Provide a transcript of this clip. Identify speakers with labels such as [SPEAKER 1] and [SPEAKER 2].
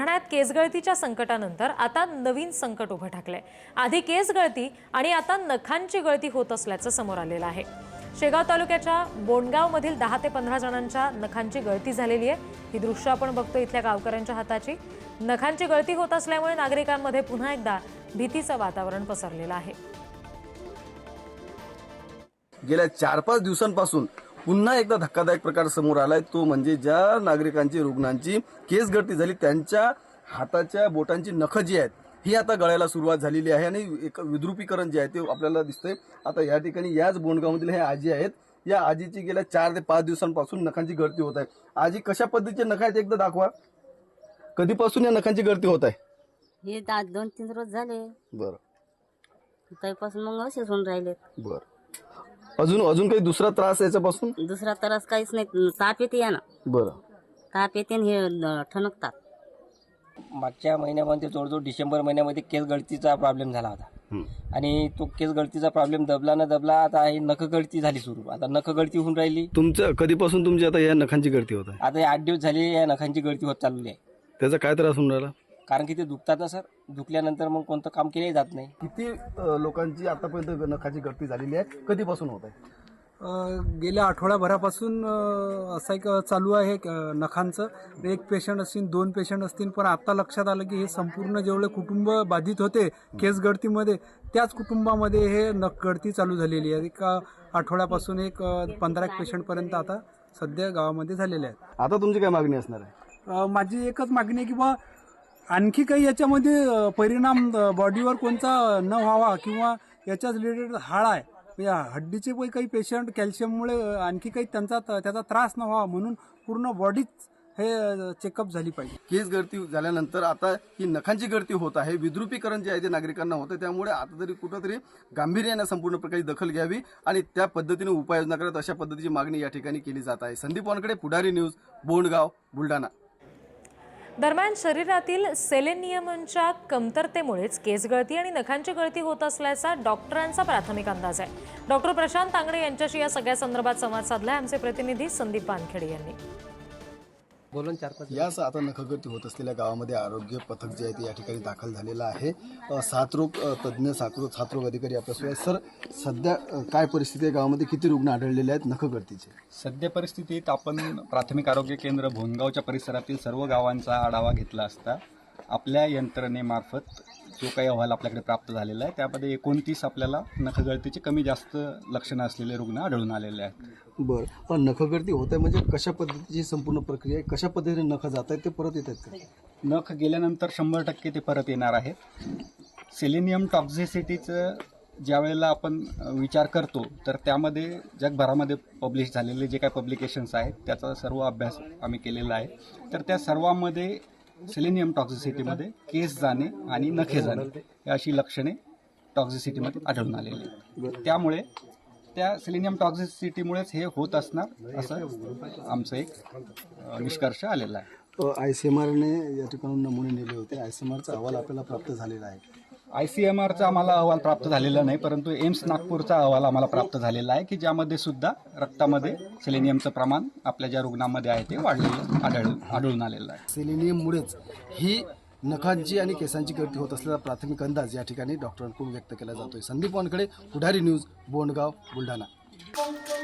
[SPEAKER 1] ठाण्यात केसगळतीच्या संकटानंतर आता नवीन संकट उभं ठाकलंय। आधी केसगळती आणि आता नखांची गळती होत असल्याचं समोर आलेलं आहे। शेगाव तालुक्याच्या बोंडगावमधील 10 ते 15 जणांच्या नखांची गळती झालेली आहे। ही दृश्य आपण बघतो इथल्या गावकऱ्यांच्या हाताची। नखांची गळती होत असल्यामुळे नागरिकांमध्ये पुन्हा एकदा भीतीचं वातावरण पसरलेलं आहे।
[SPEAKER 2] गेल्या 4-5 दिवसांपासून पुन्हा एकदा धक्कादायक प्रकार समोर आलाय। तो म्हणजे ज्या नागरिकांची रुग्णांची केस गळती झाली त्यांच्या हाताच्या बोटांची नखं जी आहेत ही आता गळायला सुरुवात झालेली आहे आणि एक विद्रुपीकरण जे आहे ते आपल्याला दिसतंय। आता या ठिकाणी याच बोंडगावमधील हे आजी आहेत। या आजीची गेल्या 4 ते 5 दिवसांपासून नखांची गळती होत आहे। आजी, कशा पद्धतीचे नख आहेत एकदा दाखवा। कधीपासून या नखांची गळती होत आहे?
[SPEAKER 3] हे 2-3 रोज झाले।
[SPEAKER 2] बरं,
[SPEAKER 3] त्यापासून मग असेच होऊन राहिले।
[SPEAKER 2] बरं। अजून काही दुसरा त्रास याच्यापासून?
[SPEAKER 3] दुसरा त्रास काहीच नाही। ताप येते या ना।
[SPEAKER 2] बरं,
[SPEAKER 3] ताप येते आणि हे ठणकतात।
[SPEAKER 4] मागच्या महिन्यामध्ये जवळजवळ डिसेंबर महिन्यामध्ये केस गळतीचा प्रॉब्लेम झाला होता आणि तो केस गळतीचा प्रॉब्लेम दबला न दबला आता ही नख गळती झाली सुरू। आता नख गळती होऊन राहिली।
[SPEAKER 2] तुमचं कधीपासून तुमची आता या नखांची गळती होत आहे?
[SPEAKER 4] आता हे 8 दिवस झाले या नखांची गळती होत चालली आहे।
[SPEAKER 2] त्याचा काय त्रास होऊन राहिला?
[SPEAKER 4] कारण की ते दुखतात ना सर, दुखल्यानंतर मग कोणतं काम केले जात नाही।
[SPEAKER 2] किती लोकांची आतापर्यंत नखाची गळती झालेली आहे? कधीपासून होत आहे?
[SPEAKER 5] गेल्या आठवड्याभरापासून असं एक चालू आहे नखांचं। एक पेशंट असतील, 2 पेशंट असतील, पण आता लक्षात आलं की हे संपूर्ण जेवढे कुटुंब बाधित होते केस गळतीमध्ये त्याच कुटुंबामध्ये हे नख गळती चालू झालेली आहे। एक आठवड्यापासून एक 15 पेशंटपर्यंत आता सध्या गावामध्ये झालेले आहेत।
[SPEAKER 2] आता तुमची काय मागणी असणार आहे?
[SPEAKER 5] माझी एकच मागणी आहे की बा आणखी काही याच्यामध्ये परिणाम बॉडीवर कोणता न व्हावा किंवा याच्याच रिलेटेड हाड आहे या हड्डीचे काही पेशंट कॅल्शियममुळे आणखी काही त्याचा त्रास न व्हावा म्हणून पूर्ण बॉडीच हे चेकअप झाली पाहिजे।
[SPEAKER 2] केस गळती झाल्यानंतर आता ही नखांची गळती होत आहे। विद्रुपीकरण जे आहे ते नागरिकांना होतं, त्यामुळे आता तरी कुठंतरी गांभीर्याने संपूर्ण प्रकारे दखल घ्यावी आणि त्या पद्धतीने उपाययोजना करत अशा पद्धतीची मागणी या ठिकाणी केली जात आहे। संदीप वानकडे, पुढारी न्यूज, बोंडगाव, बुलढाणा।
[SPEAKER 1] दरम्यान शरीरातील सेलेनियमच्या कमतरतेमुळेच केसगळती आणि नखांची गळती होत असल्याचा डॉक्टरांचा प्राथमिक अंदाज आहे। डॉक्टर प्रशांत तांगडे यांच्याशी या सगळ्या संदर्भात संवाद साधलाय आमचे प्रतिनिधी संदीप वानखेडे यांनी।
[SPEAKER 2] याच आता नखगळती होत असलेल्या गावामध्ये आरोग्य पथक जे आहे ते या ठिकाणी दाखल झालेलं आहे। साथरोग तज्ज्ञ, साथरोग अधिकारी आपल्यासोबत आहेत। सर, सध्या काय परिस्थिती आहे गावामध्ये? किती रुग्ण आढळलेले आहेत नखगळतीचे?
[SPEAKER 6] सध्या परिस्थितीत आपण प्राथमिक आरोग्य केंद्र भोनगावच्या परिसरातील सर्व गावांचा आढावा घेतला असता आपल्या यंत्रणेमार्फत जो काही अहवाल आपल्याकडे प्राप्त झालेला आहे त्यामध्ये 29 आपल्याला नखगळतीचे कमी जास्त लक्षणं असलेले रुग्ण आढळून आलेले आहेत।
[SPEAKER 2] बरं, पण नखगळती होत आहे म्हणजे कशा पद्धतीची संपूर्ण प्रक्रिया आहे? कशा पद्धतीने नख जात आहेत ते परत येत आहेत का?
[SPEAKER 6] नख गेल्यानंतर 100% ते परत येणार आहेत। सेलेनियम टॉक्झिसिटीचं ज्या वेळेला आपण विचार करतो तर त्यामध्ये जगभरामध्ये पब्लिश झालेले जे काही पब्लिकेशन्स आहेत त्याचा सर्व अभ्यास आम्ही केलेला आहे। तर त्या सर्वांमध्ये सेलेनियम टॉक्झिसिटीमध्ये केस जाणे आणि नखे जाणे ही अशी लक्षणे टॉक्झिसिटीमध्ये आढळून आलेली आहेत। त्यामुळे त्या सेलेनियम टॉक्झिसिटीमुळेच हे होत असणार असं आमचं एक निष्कर्ष आलेला आहे।
[SPEAKER 2] ICMRने या ठिकाणून नमुने नेले होते। ICMRचा अहवाल आपल्याला प्राप्त झालेला आहे।
[SPEAKER 6] ICMRचा आम्हाला अहवाल प्राप्त झालेला नाही, परंतु एम्स नागपूरचा अहवाल आम्हाला प्राप्त झालेला आहे की ज्यामध्ये सुद्धा रक्तामध्ये सेलेनियमचं प्रमाण आपल्या ज्या रुग्णांमध्ये आहे ते वाढलेलं आढळून आलेलं आहे।
[SPEAKER 2] सेलेनियममुळेच ही नखांची आणि केसांची गळती होत असलेला प्राथमिक अंदाज या ठिकाणी डॉक्टरांकडून व्यक्त केला जातोय। संदीप वानकडे, पुढारी न्यूज, बोंडगाव, बुलढाणा।